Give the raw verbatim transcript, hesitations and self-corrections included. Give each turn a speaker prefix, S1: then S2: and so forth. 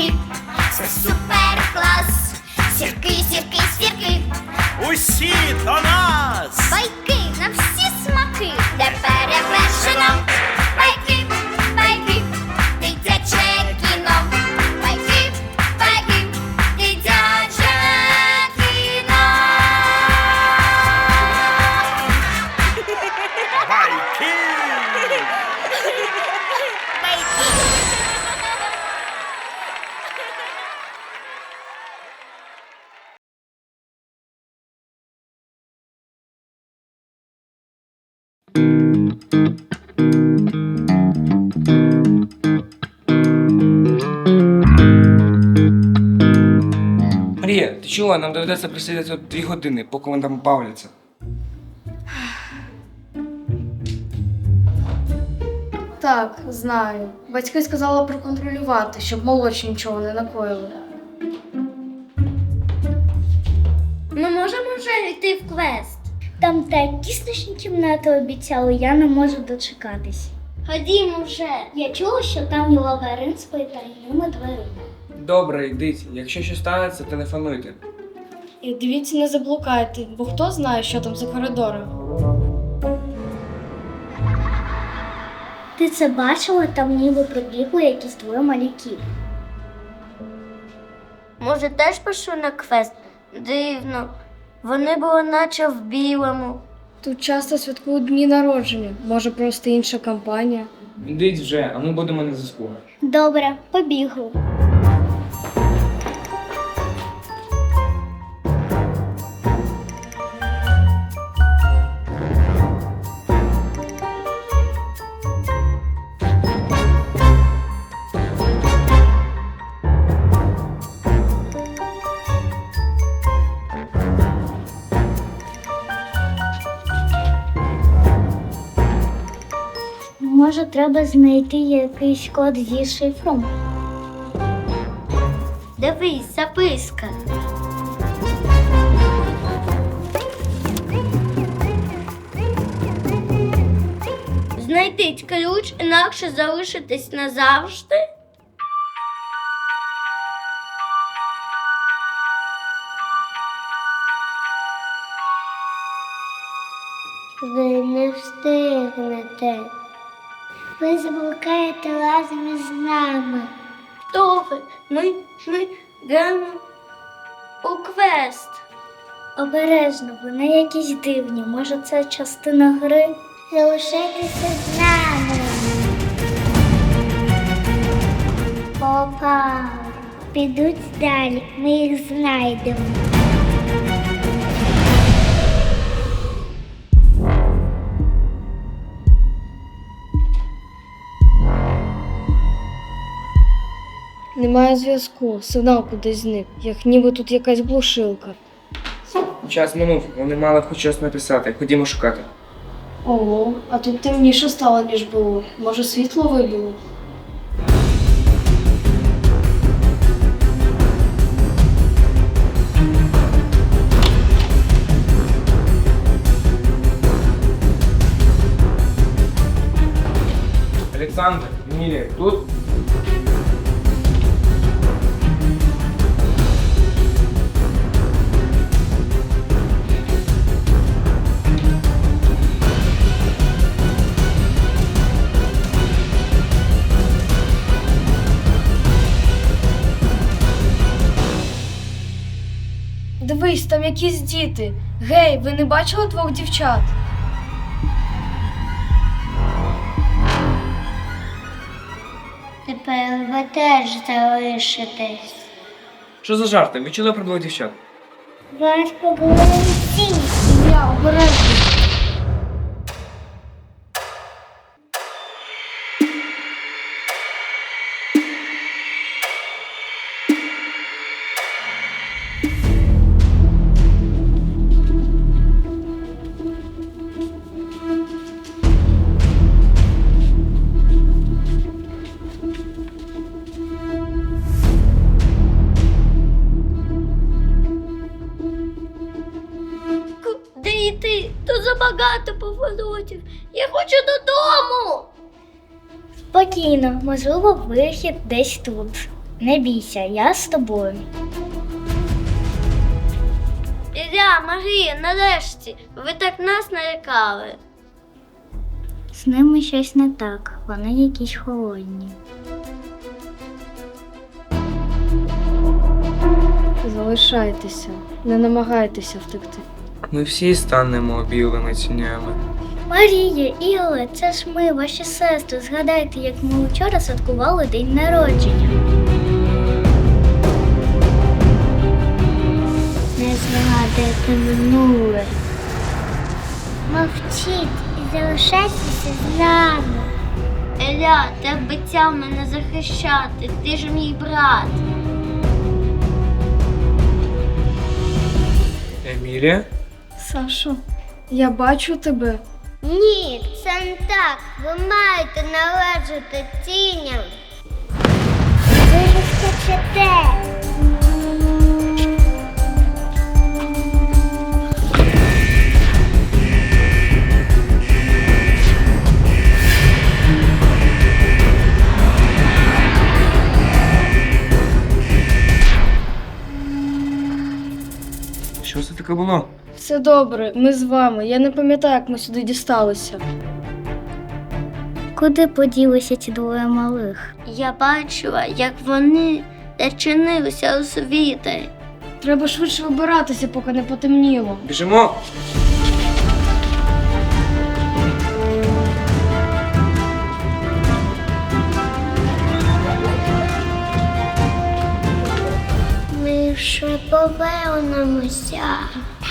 S1: сірки, це супер клас. Сірки, сірки, сірки,
S2: Усі до нас!
S1: байки на всі смаки, де перевершено. Байки, байки, дитяче кіно. Байки, байки, дитяче кіно.
S2: Байки!
S3: Марія, ти чула? Нам доведеться присидіти тут дві години, поки вони там бавляться.
S4: Так, знаю. Батьки сказали проконтролювати, щоб молодші нічого не накоїли.
S1: Ми можемо вже йти в квест. Там такі страшні кімнати обіцяли, я не можу дочекатись. Ходімо вже. Я чула, що там є лабіринт з потайними дверима.
S3: Добре, йдіть. Якщо щось станеться, телефонуйте.
S4: І дивіться, не заблукайте, бо хто знає, що там за коридором.
S1: Ти це бачила? Там ніби прибігли якісь двоє малюків. Може, теж пишу на квест? Дивно. Вони були наче в білому.
S4: Тут часто святкують дні народження, може просто інша компанія.
S3: Йдіть вже, а ми будемо на зв'язку.
S1: Добре, побігли. Може, треба знайти якийсь код зі шифром? Дивись, записка. Знайдіть ключ, інакше залишитесь назавжди. Ви не встигнете. Ви заблукаєте разом із нами. Хто ви? Ми, ми йдемо у квест. Обережно, вони якісь дивні. Може, це частина гри? Залишайтеся з нами. Попа. Підуть далі, ми їх знайдемо.
S4: Немає зв'язку, сигнал кудись зник, як ніби тут якась глушилка.
S3: Час минув, вони мали хоч щось написати. Ходімо шукати.
S4: Ого, а тут темніше стало, ніж було. Може, світло вибило?
S3: Олександр, Емілія, тут?
S4: Дивись, там якісь діти. Гей, ви не бачили двох дівчат?
S1: Тепер ви теж залишитесь.
S3: Що за жарти? Ви чули про двох дівчат?
S1: Вас поговорили всі.
S4: Я обережно.
S1: Багато поворотів. Я хочу додому. Спокійно, можливо, вихід десь тут. Не бійся, я з тобою.
S5: Ілля, Марія, нарешті, ви так нас налякали.
S1: З ними щось не так, вони якісь холодні.
S4: Залишайтеся, не намагайтеся втекти.
S3: Ми всі станемо білими тінями.
S1: Марія, Ілля, це ж ми, ваші сестри. Згадайте, як ми вчора святкували день народження. Не згадайте минуле. Мовчіть і залишайтеся з нами.
S5: Ілля, ти обіцяв мене захищати, ти ж мій брат.
S3: Емілія?
S4: Сашо, я бачу тебе.
S1: Ні, це не так. Ви маєте належати тіням. Ви ж хочете.
S3: Що це таке було?
S4: Все добре, ми з вами. Я не пам'ятаю, як ми сюди дісталися.
S1: Куди поділися ці двоє малих?
S5: Я бачила, як вони зачинилися у світі.
S4: Треба швидше вибиратися, поки не потемніло.
S3: Біжимо!
S1: Ми ще повернемося.